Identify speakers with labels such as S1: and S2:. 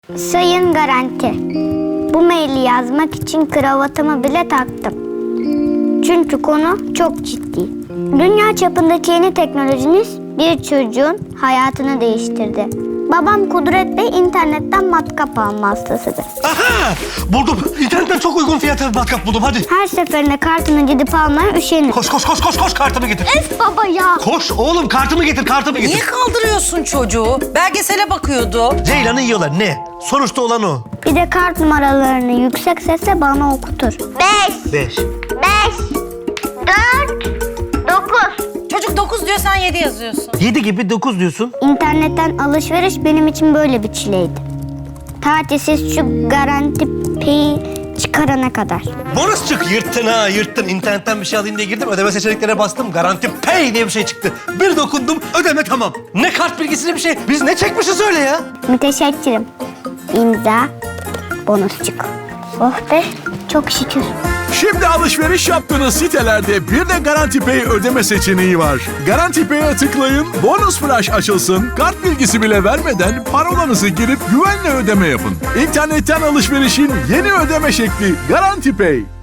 S1: Sayın Garanti, bu maili yazmak için kravatımı bile taktım. Çünkü konu çok ciddi. Dünya çapındaki yeni teknolojiniz bir çocuğun hayatını değiştirdi. Babam Kudret Bey internetten matkap alma hastasıdır.
S2: Aha! Buldum. İnternetten çok uygun fiyata bir matkap buldum. Hadi.
S1: Her seferinde kartını gidip almaya üşenir.
S2: Koş kartımı getir.
S1: Öf baba ya!
S2: Koş oğlum kartımı getir.
S3: Niye kaldırıyorsun çocuğu? Belgesele bakıyordu.
S2: Ceylan'ı yiyorlar ne? Sonuçta olan o.
S1: Bir de kart numaralarını yüksek sesle bana okutur. 5,
S2: 5.
S1: 4, 9.
S3: Çocuk 9 diyor, sen 7 yazıyorsun.
S2: 7 gibi 9 diyorsun.
S1: İnternetten alışveriş benim için böyle bir çileydi. Tatilsiz şu Garanti Pay'i çıkarana kadar.
S2: Bonus çık yırttın ha yırttın. İnternetten bir şey alayım diye girdim. Ödeme seçeneklerine bastım. Garanti Pay diye bir şey çıktı. Bir dokundum ödeme tamam. Ne kart bilgisine bir şey. Biz ne çekmişiz öyle ya?
S1: Müteşekkirim. İmza, bonusçuk. Oh be, çok şükür.
S4: Şimdi alışveriş yaptığınız sitelerde bir de Garanti Pay ödeme seçeneği var. Garanti Pay'e tıklayın, bonus flash açılsın, kart bilgisi bile vermeden parolanızı girip güvenle ödeme yapın. İnternetten alışverişin yeni ödeme şekli Garanti Pay.